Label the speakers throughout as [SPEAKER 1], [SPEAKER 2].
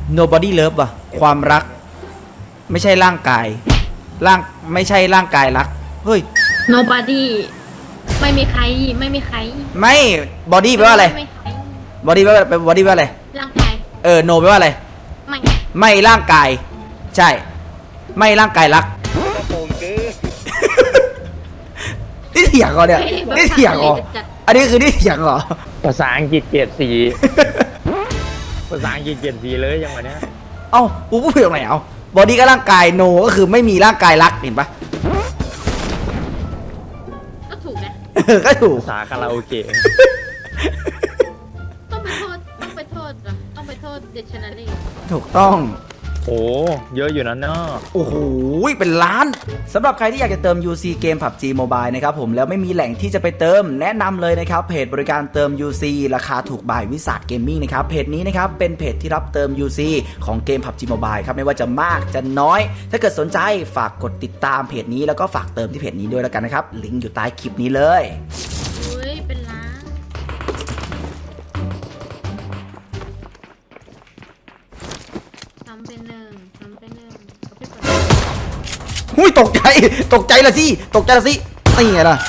[SPEAKER 1] nobody love ว่ะความรักไม่ใช่ร่างกายไม่ใช่ร่างกายรักเฮ้ย
[SPEAKER 2] nobody ไม่มีใคร
[SPEAKER 1] ไม่ body แปลว่าอะไร
[SPEAKER 2] ไม่ใคร
[SPEAKER 1] body แปลว่า body แปลว่าอะไร
[SPEAKER 2] ร่างกาย
[SPEAKER 1] no แปลว่าอะไร ไม่ร่างกายใช่ไม่ร่างกายรักนี่เถียงเหรอเนี่ยนี่เถียงเหรออันนี้คือนี่เถียงเหรอ
[SPEAKER 3] ภาษาอังกฤษเกรดสีภาษาอังกฤษเกรดสีเลยยังไงเนี้ย
[SPEAKER 1] เอ้ากูพูดผิดตรงไหนเอา body ก็ร่างกาย no ก็คือไม่มีร่างกายรักเห็นปะ
[SPEAKER 2] ก็ถูกนะ
[SPEAKER 1] ก็ถูก
[SPEAKER 3] ภาษาคาราโอเกะ
[SPEAKER 2] ต้องไปโทษเดชนารี
[SPEAKER 1] ถูกต้อง
[SPEAKER 3] โอ้เยอะอยู่นะเนาะ
[SPEAKER 1] โอ้โหเป็นล้านสำหรับใครที่อยากจะเติม UC เกม PUBG Mobile นะครับผมแล้วไม่มีแหล่งที่จะไปเติมแนะนำเลยนะครับเพจบริการเติม UC ราคาถูกบายวิสาทเกมมิ่งนะครับเพจนี้นะครับเป็นเพจที่รับเติม UC ของเกม PUBG Mobile ครับไม่ว่าจะมากจะน้อย ถ้าเกิดสนใจฝากกดติดตามเพจนี้แล้วก็ฝากเติมที่เพจนี้ด้วยแล้วกันนะครับลิงก์อยู่ใต้คลิปนี้เลย
[SPEAKER 2] อุ้ยเป็นล้านทำเป็นหนึ่งเอาไปก่อน
[SPEAKER 1] หุ้ยตกใจละสินี่ไงล่ะ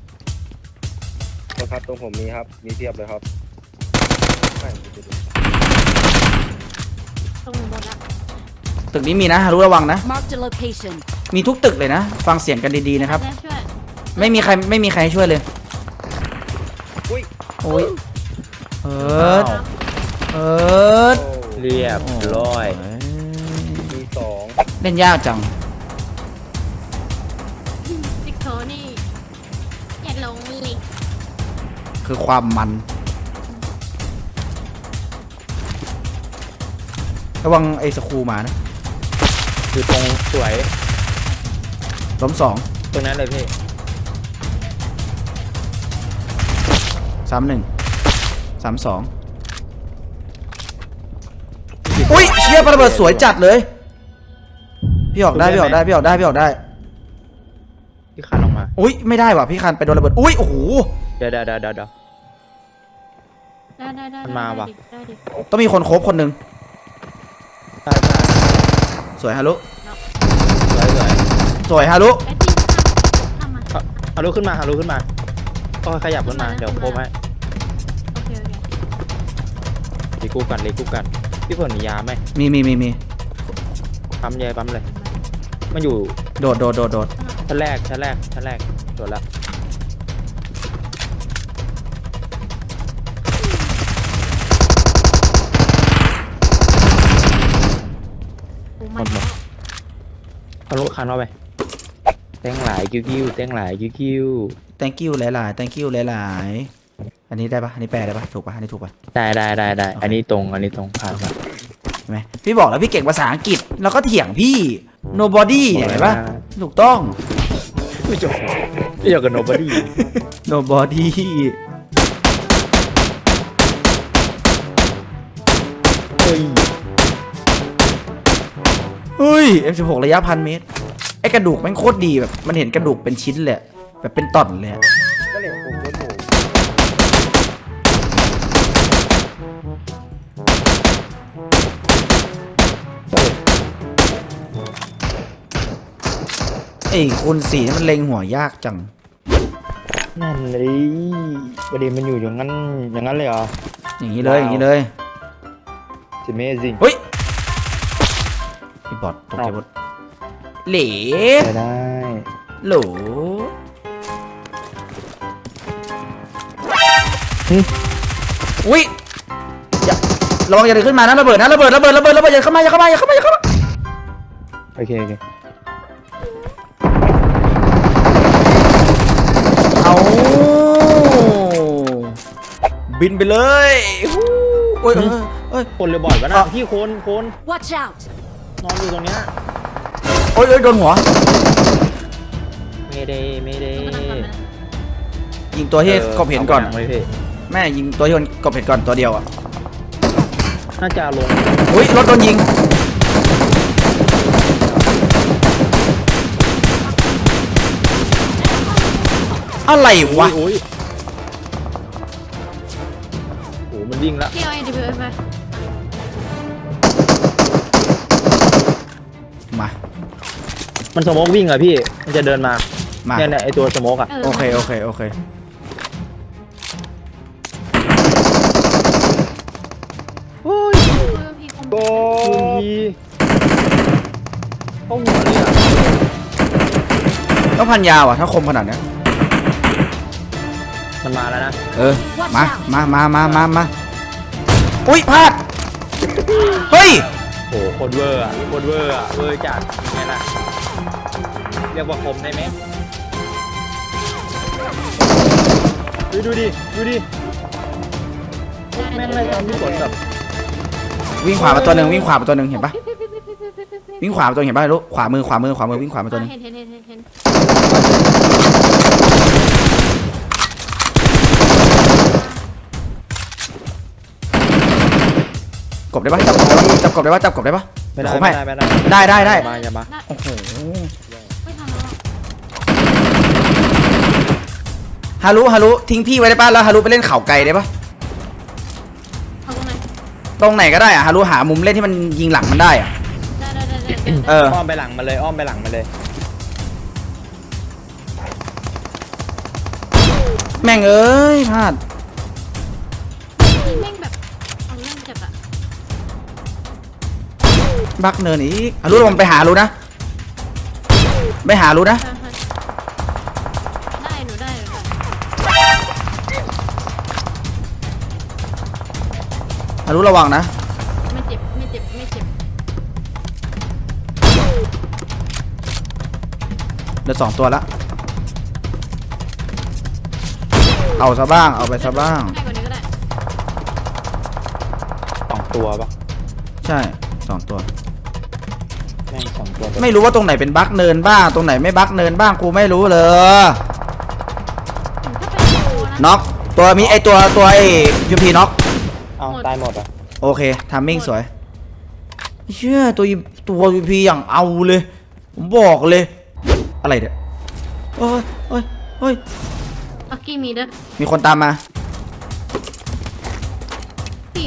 [SPEAKER 4] ครับตรงผมมีครับมีเทียบเลยครับไม่
[SPEAKER 2] ตรงหมดละ
[SPEAKER 1] ตึกนี้มีนะรู้ระวังนะ
[SPEAKER 5] Marked a location.
[SPEAKER 1] มีทุกตึกเลยนะฟังเสียงกันดีๆนะครับ
[SPEAKER 2] ได้ช่วย
[SPEAKER 1] ไม่มีใครให้ช่วยเลย
[SPEAKER 4] อุ้ย
[SPEAKER 1] โอ้ยเอิร์ด
[SPEAKER 3] เรียบร้อย
[SPEAKER 4] มีสอง
[SPEAKER 1] เล่นยากจัง
[SPEAKER 2] ติ๊กโทนี่อย่าลงเลย
[SPEAKER 1] คือความมันระวังไอ้สคูมานะ
[SPEAKER 3] คือตรงสวย
[SPEAKER 1] ล้ม2
[SPEAKER 3] ตรงนั้นเลยพี่
[SPEAKER 1] 3-1 3-2อุ้ยเชี่ยปาระเบิดสวยจัดเลยพี่ออกได้
[SPEAKER 3] พี่คันออกมา
[SPEAKER 1] อุ้ยไม่ได้ว่ะพี่คันไปโดนระเบิดอุ้ยโอ้โห
[SPEAKER 3] เดี๋ยว
[SPEAKER 2] ได้
[SPEAKER 3] มันมาว่ะ
[SPEAKER 2] ได้ดิ
[SPEAKER 1] ต้องมีคนโคบคนหนึ่ง
[SPEAKER 3] ใช่
[SPEAKER 1] สวยฮารุ
[SPEAKER 3] สวย
[SPEAKER 1] ฮารุ
[SPEAKER 2] ไอ้ที่ทำมา
[SPEAKER 3] ฮารุขึ้นมาก็ขยับขึ้นมาเดี๋ยวโคมให้
[SPEAKER 2] โอเค
[SPEAKER 3] รีกู้กันพี่ฝนมียาไหม
[SPEAKER 1] มี
[SPEAKER 3] ปั๊มเลย มันอยู่
[SPEAKER 1] โดด
[SPEAKER 3] ชั้นแรกโดดแล้ว
[SPEAKER 2] กูมัน
[SPEAKER 3] ฮารุคันเข้าไปแตงหลายกิ้ว
[SPEAKER 1] thank you หลายๆ thank you หลายๆอันนี้ได้ปะอันนี้แปลได้ปะถูกปะอันนี้ถูกปะ
[SPEAKER 3] ได้อันนี้ตรงผ่านมา
[SPEAKER 1] ใช่ไหมพี่บอกแล้วพี่เก่งภาษาอังกฤษแล้วก็เถียงพี่ nobody เนี่ยเห็นปะถูกต้อง
[SPEAKER 3] ไม่จบกับ nobody
[SPEAKER 1] nobody เฮ้ย M16 ระยะ1,000 เมตรไอ้กระดูกแม่งโคตรดีแบบมันเห็นกระดูกเป็นชิ้นเลยแบบเป็นต่อนเลยอะ
[SPEAKER 4] ก็เหลี่ยมผมโดนผม
[SPEAKER 1] ไอ้คูณ4นี่มันเล็งหัวยากจัง
[SPEAKER 3] นั่นเลยประเด็นมันอยู่อย่างนั้นเลยเหรอ
[SPEAKER 1] อย่างนี้เลย
[SPEAKER 3] Amazing
[SPEAKER 1] เฮ้ยพี่บอทตกใจหมดเหล่
[SPEAKER 3] ได้
[SPEAKER 1] โหลอุ้ยอย่าระวังอย่าเดินขึ้นมานะระเบิดอย่าเข้ามา
[SPEAKER 3] โอเค
[SPEAKER 1] เอาบินไปเลยโอ้ยเอ้ย
[SPEAKER 3] คนเลยบ่อยวะนะพี่คน
[SPEAKER 5] Watch out!
[SPEAKER 3] นอนอยู่ตรงเนี้ย
[SPEAKER 1] โอ้ยโดนหัว
[SPEAKER 3] ไม่ได้
[SPEAKER 1] ยิงตัวที่กบเห็นก่อน
[SPEAKER 3] ไม่พี่
[SPEAKER 1] แม่ยิงตัวที่มันกบเห็นก่อนตัวเดียวอ่ะ
[SPEAKER 3] น่าจะลง
[SPEAKER 1] อุ้ยรถโดนยิงอะไรวะ
[SPEAKER 3] โอ้มันวิ่งละ
[SPEAKER 2] เที่ยวไอ้ดิบไป
[SPEAKER 3] มันสโมกวิ่งอะพี่ มันจะเดินมา
[SPEAKER 1] มา
[SPEAKER 3] เนี่ยไอตัวสโมกอะ
[SPEAKER 1] โอเคโอเคโอเค
[SPEAKER 3] โอ้ย
[SPEAKER 2] พี่คม
[SPEAKER 4] โอ้
[SPEAKER 3] ทีเข้าหัวเลยอะ
[SPEAKER 1] ต้องพันยาวอ่ะถ้าคมขนาดเนี้ย
[SPEAKER 3] มันมาแล้วนะ
[SPEAKER 1] เออมาอุ้ยพลาดเฮ้ย
[SPEAKER 3] โอ้โหโคตรเวอร์อะโคตรเวอร์อะเวอร์จัดไงล่ะเรียกว่าคมได้ไหมดูดิแม่งเลยตามที่ฝนแบบ
[SPEAKER 1] วิ่งขวามาตัวหนึ่งเห็นปะวิ่งขวามาตัวเห็นปะลูกขวามือวิ่งขวามาตัวหนึ่ง
[SPEAKER 2] เห็น
[SPEAKER 1] กบได้ปะจับกบได้ปะ
[SPEAKER 3] ไม่ได้
[SPEAKER 1] ผม
[SPEAKER 3] ไม่
[SPEAKER 1] ให้
[SPEAKER 3] ได้ไม่ได้
[SPEAKER 1] ได้
[SPEAKER 3] อย่ามา
[SPEAKER 1] โอ้โห
[SPEAKER 2] ไม่ทำแล้ว
[SPEAKER 1] ฮารุทิ้งพี่ไว้ได้ปะแล้วฮารุไปเล่นเข่าไกลได้ปะ
[SPEAKER 2] เอาตรงไหน
[SPEAKER 1] ตรงไหนก็ได้อะฮารุหามุมเล่นที่มันยิงหลังมันได้อะ
[SPEAKER 2] ได้
[SPEAKER 1] เออ
[SPEAKER 3] อ้อมไปหลังมาเลยอ้อมไปหลังมาเลย
[SPEAKER 1] แม่งเอ้ยพลาด
[SPEAKER 2] แม่งแบบเอาเรื่องจับอะ
[SPEAKER 1] บักเนินอีกฮารุลงไปหาฮารุนะได้
[SPEAKER 2] หนูได้
[SPEAKER 1] ฮารุระวังนะ
[SPEAKER 2] ไม่เจ็บ
[SPEAKER 1] เดี๋ยว2 ตัวละเอาไปซะบ้าง
[SPEAKER 2] ให้กว่านี้ก็ได้
[SPEAKER 3] 2 ตัวปะ
[SPEAKER 1] ใช่2 ตัว
[SPEAKER 3] แม่ง2 ตัว
[SPEAKER 1] ไม่รู้ว่าตรงไหนเป็นบักเนินบ้างตรงไหนไม่บักเนินบ้างกูไม่รู้เลย น็อกตัวมีไอตัวไอยูพีน็อก
[SPEAKER 3] เอาตายหมดอ่ะ
[SPEAKER 1] โอเคทามมิ่งสวยเชื่อตัวยูพีอย่างเอาเลยผมบอกเลยอะไรเนี่ยเฮ้ย
[SPEAKER 2] ปักกี้มีเด้อ
[SPEAKER 1] มีคนตามมา
[SPEAKER 2] พี่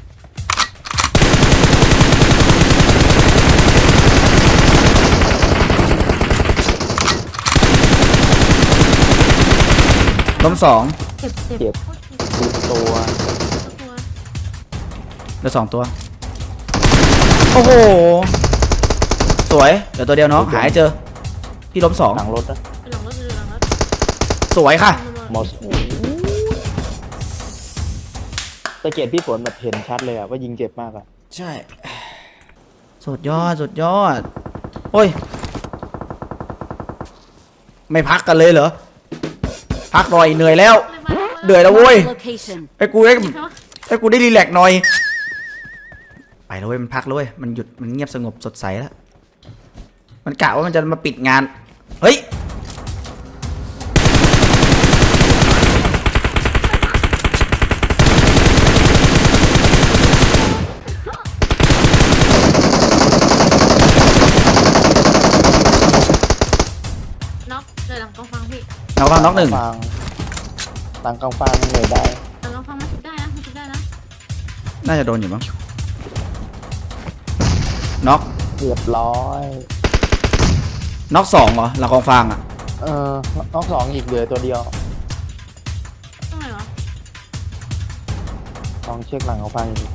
[SPEAKER 1] ล้ม2
[SPEAKER 2] เจ็บ
[SPEAKER 3] เจ็บตัว
[SPEAKER 1] เหลือ2 ตัวโอ้โหสวยเดี๋ยวตัวเดียวน้องหายเจอพี่ล้ม
[SPEAKER 3] หลังรถนะ
[SPEAKER 2] หลังรถ
[SPEAKER 1] 2สวยค่ะ
[SPEAKER 3] หมดตะเกียบพี่ฝนแบบเห็นชัดเลยอ่ะว่ายิงเจ็บมากอ่ะ
[SPEAKER 1] ใช่สุดยอดโอ้ยไม่พักกันเลยเหรอพักหน่อยเหนื่อยแล้วเดือยแล้วเว้ย
[SPEAKER 5] Marked a location.
[SPEAKER 1] ไอ้กูได้รีแลกซ์หน่อยไปแล้วเว้ยมันพักแล้วเว้ยมันหยุดมันเงียบสงบสดใสแล้วมันกะว่ามันจะมาปิดงานเฮ้ย
[SPEAKER 2] น็อกเลยหลังกองฟังพี่
[SPEAKER 1] เอาบ้างน็อก 1
[SPEAKER 3] หลังกองฟางเหนื่อยได้
[SPEAKER 2] หลังกองฟังมันชุบได้นะ
[SPEAKER 1] น่าจะโดนอยู่มั้งน็อก
[SPEAKER 3] เรียบร้อย
[SPEAKER 1] น็อก2เหรอหลังกองฟางอ่ะ
[SPEAKER 3] น้อง2อีกเหลือตัวเดียว
[SPEAKER 2] ตรงไหนวะ
[SPEAKER 3] ลองเช็คหลังกองฟางอีก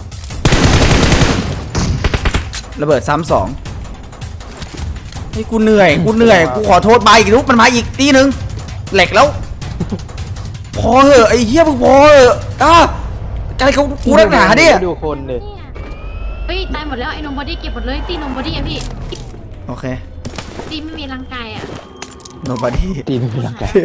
[SPEAKER 1] ระเบิดซ้ำ2เฮ้ยกูเหนื่อยกูขอโทษมาอีกลูกมันมาอีกตีหนึ่งเหล็กแล้ว พอเหอะไอ้เหี้ยมึงพอเหอะอะไรเขากูนักหนาเนี่ย
[SPEAKER 3] ดูคนเลย
[SPEAKER 2] เฮ้ยตายหมดแล้วไอ้นมบอดี้เก็บหมดเลยตีนมบอดี้อะพี่
[SPEAKER 1] โอเค
[SPEAKER 2] ตีไม่มีร่างกายอะ
[SPEAKER 1] nobody
[SPEAKER 3] ตีไม่เป็นไรกัน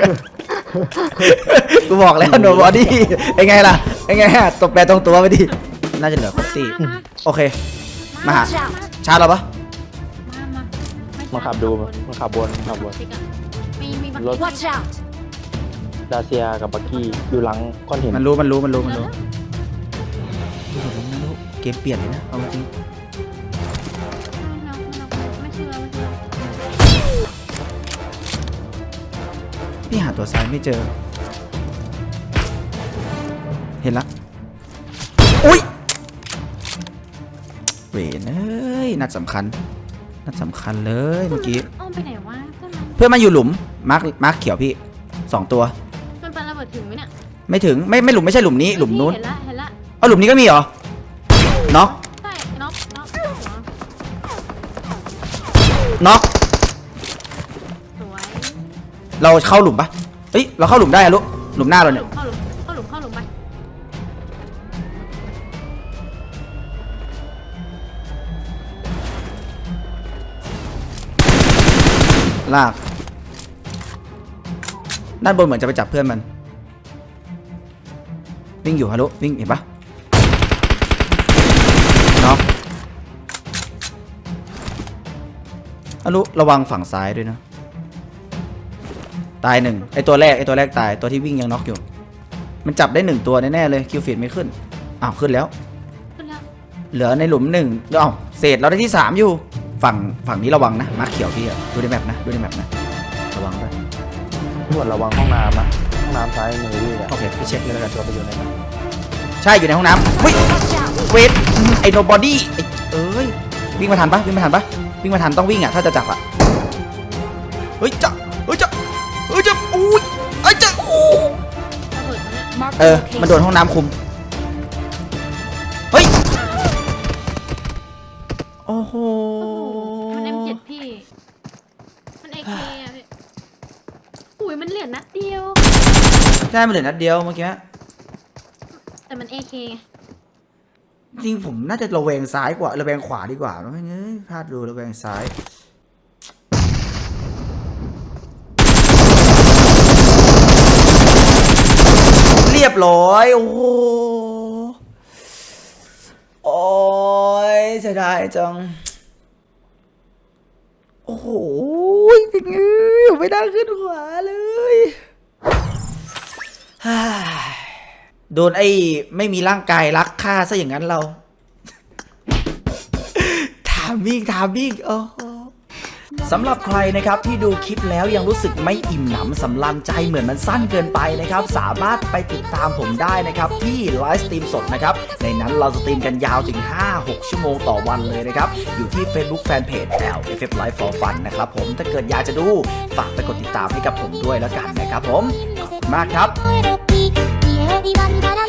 [SPEAKER 1] กูบอกแล้ว nobody ไอ้ไงล่ะไอ้ไงฮะตบแปรตรงตัวไปดิน่าจะเหลือครบตีโอเค มาหา
[SPEAKER 5] Watch out.
[SPEAKER 1] ชาร์จเราปะ
[SPEAKER 3] มาขับดูมาขับบน
[SPEAKER 2] มี
[SPEAKER 3] รถ
[SPEAKER 5] Watch out.
[SPEAKER 3] ดาเซียกับบักกี้อยู่หลังก้อนหิน
[SPEAKER 1] มันรู้เกมเปลี่ยนเลยนะเอาจริง
[SPEAKER 2] ไม่เชื่อ
[SPEAKER 1] พี่หาตัวซ้ายไม่เจอ เห็นละอุ้ยเวนเอ้ยนัดสำคัญนัดสำคัญเลยเมื่อกี้
[SPEAKER 2] อ้อมไปไหนวะเพื่อนมัน
[SPEAKER 1] เพื่อนมาอยู่หลุมมาร์คเขียวพี่2 ตัว
[SPEAKER 2] มันปันระเบิดถึงไหมเนี่ย
[SPEAKER 1] ไม่ถึงไม่หลุมไม่ใช่หลุมนี้หลุมนู้น
[SPEAKER 2] เห็นละ
[SPEAKER 1] เอาหลุมนี้ก็มีเหรอน็อก
[SPEAKER 2] ใช่น็อกหัว
[SPEAKER 1] น็อก
[SPEAKER 2] สวย
[SPEAKER 1] เราเข้าหลุมปะเฮ้ยเราเข้าหลุมได้อะลูกหลุมหน้าเราเนี่ย
[SPEAKER 2] เข้าหลุมไป
[SPEAKER 1] ลากด้านบนเหมือนจะไปจับเพื่อนมันวิ่งอยู่ฮะลูกวิ่งเห็นปะน็อกฮะลูกระวังฝั่งซ้ายด้วยนะตาย1ไอตัวแรกตายตัวที่วิ่งยังน็อกอยู่มันจับได้1ตัวแน่ๆเลยคิวฟีดไม่ขึ้นอ้าวขึ้นแล้ว
[SPEAKER 2] ขึ้นแล้ว
[SPEAKER 1] เหลือในหลุม1อ้าวเศษเราได้ที่3อยู่ฝั่งนี้ระวังนะมาร์คเขียวพี่อะดูในแมปนะระวังด้วย
[SPEAKER 4] ตำรวจระวังห้องน้ำนะห้องน้ำซ้ายมือพี่อะ
[SPEAKER 1] โอเคไปเช็คเลยแล้วกัน
[SPEAKER 4] ตัวไปอยู่ในนั้น
[SPEAKER 1] ใช่อยู่ในห้องน้ำเฮ้ยเวทไอโนบอดี้เอ้ยวิ่งมาทันปะวิ่งมาทันต้องวิ่งอะถ้าจะจับอะเฮ้ยจะอุ้ยไอ้จะอู้
[SPEAKER 2] ระเบิดตรงเนี้ย
[SPEAKER 5] Mark
[SPEAKER 1] มันโดนห้องน้ำคุมเฮ้ยโอ้โห
[SPEAKER 2] มัน M7 พี่มัน AK อ่ะพี่อุ้ยมันเหลือนัดเดียว
[SPEAKER 1] ใช่มันเหลือนัดเดียวเมื่อกี้
[SPEAKER 2] แต่มัน AK ไง
[SPEAKER 1] จริงผมน่าจะระแวงซ้ายกว่าระแวงขวาดีกว่าไม่เงยพลาดดูระแวงซ้ายเรียบร้อยโอ้โหโอ้ยเสียดายจังโอ้โหเป็นไงไม่ได้ขึ้นขวาเลยฮ่าโดนไอ้ไม่มีร่างกายรักฆ่าซะอย่างนั้นเรา ถามวิ่งโอ้โหสำหรับใครนะครับที่ดูคลิปแล้วยังรู้สึกไม่อิ่มหนำสำราญใจเหมือนมันสั้นเกินไปนะครับสามารถไปติดตามผมได้นะครับที่ไลฟ์สตรีมสดนะครับในนั้นเราสตรีมกันยาวถึง 5-6 ชั่วโมงต่อวันเลยนะครับอยู่ที่ Facebook Fanpage LFF Live for Fun นะครับผมถ้าเกิดอยากจะดูฝากไปกดติดตามให้กับผมด้วยแล้วกันนะครับผมขอบคุณมากครับ
[SPEAKER 6] 声のピー、家をビバルバラ